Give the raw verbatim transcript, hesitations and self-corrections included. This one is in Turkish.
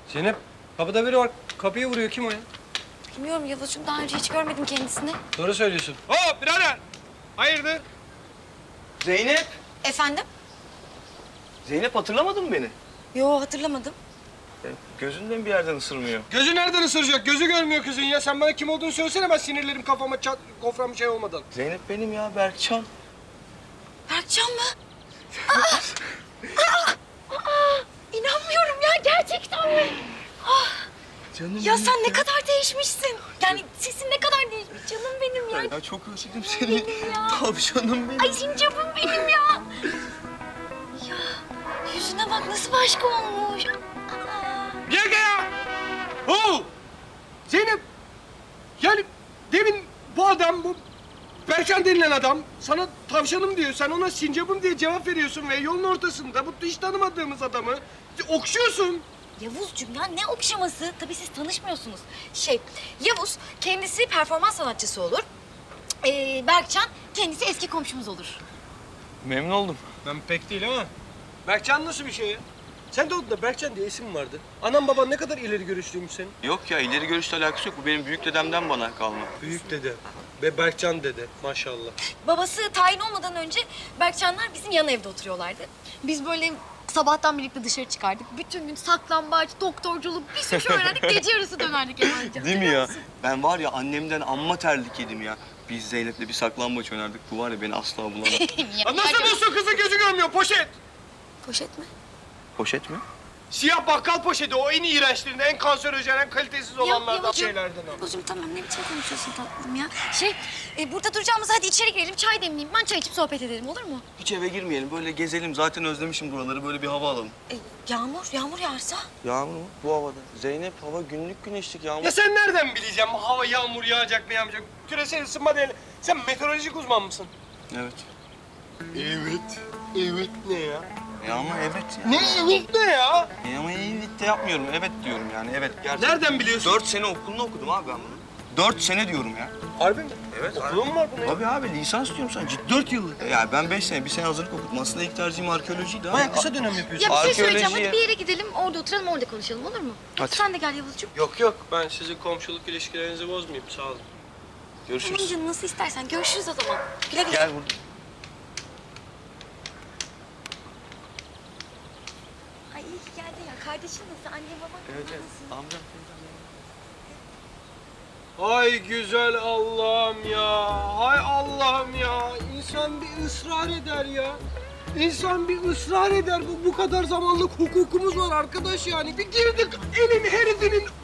Zeynep, kapıda biri var. Kapıya vuruyor. Kim o ya? Bilmiyorum Yavuzcuğum, daha önce hiç görmedim kendisini. Doğru söylüyorsun. Hop birader! Hayırdır? Zeynep! Efendim? Zeynep hatırlamadın mı beni? Yo, hatırlamadım. Ya, gözünden bir yerden ısırmıyor. Gözü nereden ısıracak? Gözü görmüyor kızın ya. Sen bana kim olduğunu söylesene, ben sinirlerim kafama çat, kofram bir şey olmadan. Zeynep benim ya, Berkcan. Berkcan mı? Aa! Aa! Aa! İnanmıyorum ya, gerçekten mi? Canım Ya benim sen ne kadar değişmişsin. Yani sesin ne kadar değişmiş. Canım benim ya. Ya çok özledim seni. Benim ya. Tavşanım benim. Ay sincapım benim ya. Ya yüzüne bak nasıl başka olmuş. Aa. Gel gel ya! Oo! Zeynep! Yani demin bu adam, bu Berkcan denilen adam sana tavşanım diyor. Sen ona sincapım diye cevap veriyorsun ve yolun ortasında bu hiç tanımadığımız adamı okşuyorsun. Yavuzcuğum ya ne okşaması? Tabii siz tanışmıyorsunuz. Şey, Yavuz kendisi performans sanatçısı olur. Ee, Berkcan kendisi eski komşumuz olur. Memnun oldum. Ben pek değil ama. Berkcan nasıl bir şey ya? Sen de odada Berkcan diye isim vardı. Anam baban ne kadar ileri görüşlüymüş senin. Yok ya, ileri görüşle alakası yok. Bu benim büyük dedemden bana kalma. Büyük dede ve Berkcan dede maşallah. Babası tayin olmadan önce Berkcanlar bizim yan evde oturuyorlardı. Biz böyle sabahtan birlikte dışarı çıkardık. Bütün gün saklambaç, doktorculuk bir sürü şey öğrendik. Gece yarısı dönerdik eve. Değil mi ya? Ben var ya, annemden amma terlik yedim ya. Biz Zeynep'le bir saklambaç oynardık. Bu var ya, beni asla bulamaz. Ya nasıl bulsun, kızın gözü görmüyor, poşet. Poşet mi? Poşet mi? Siyah bakkal poşeti, o en iğrençlerinden, en kanserojen, en kalitesiz olanlardan Yavuzcuğum, şeylerden o. Yavuzcuğum tamam ne biçim konuşuyorsun tatlım ya? Şey, e, burada duracağımıza hadi içeri girelim, çay demleyeyim. Ben çay içip sohbet edelim, olur mu? Hiç eve girmeyelim. Böyle gezelim. Zaten özlemişim buraları. Böyle bir hava alalım. E, yağmur, yağmur yağarsa? Yağmur mu? Bu havada. Zeynep, hava günlük güneşlik yağmur. Ya sen nereden bileceksin hava yağmur yağacak mı yağmayacak? Küresel ısınma değil. Sen meteorolojik uzman mısın? Evet. Evet. Evet ne ya? E ama evet ya. Ne evet ne ya? E ama evet de yapmıyorum. Evet diyorum yani. Evet gerçekten. Nereden biliyorsun? Dört sene okulunu okudum abi ben bunu. Dört sene diyorum ya. Harbi mi? Evet. Okulun mu var bunun ya? Tabii abi, lisans diyorum sana. Ciddi dört yıllık. E yani ben beş sene, bir sene hazırlık okudum. Aslında ilk tercihim arkeolojiydi. Baya ama- kısa dönem yapıyorsun. Ya bir şey söyleyeceğim, Arkeoloji hadi bir yere gidelim, orada oturalım, orada konuşalım, olur mu? Hadi. Sen de gel Yavuzcuğum. Yok yok, ben sizin komşuluk ilişkilerinizi bozmayayım, sağ olun. Tamam Görüşürüz. canım, nasıl istersen. Görüşürüz o zaman. Güle güle. Gel burada. Ay iyi ki geldin ya. Kardeşin nasıl? Anne baban Evet, evet. nasıl? Amcam. Ay güzel Allah'ım ya. Hay Allah'ım ya. İnsan bir ısrar eder ya. İnsan bir ısrar eder. Bu bu kadar zamanlık hukukumuz var arkadaş yani. Bir girdik elin herifinin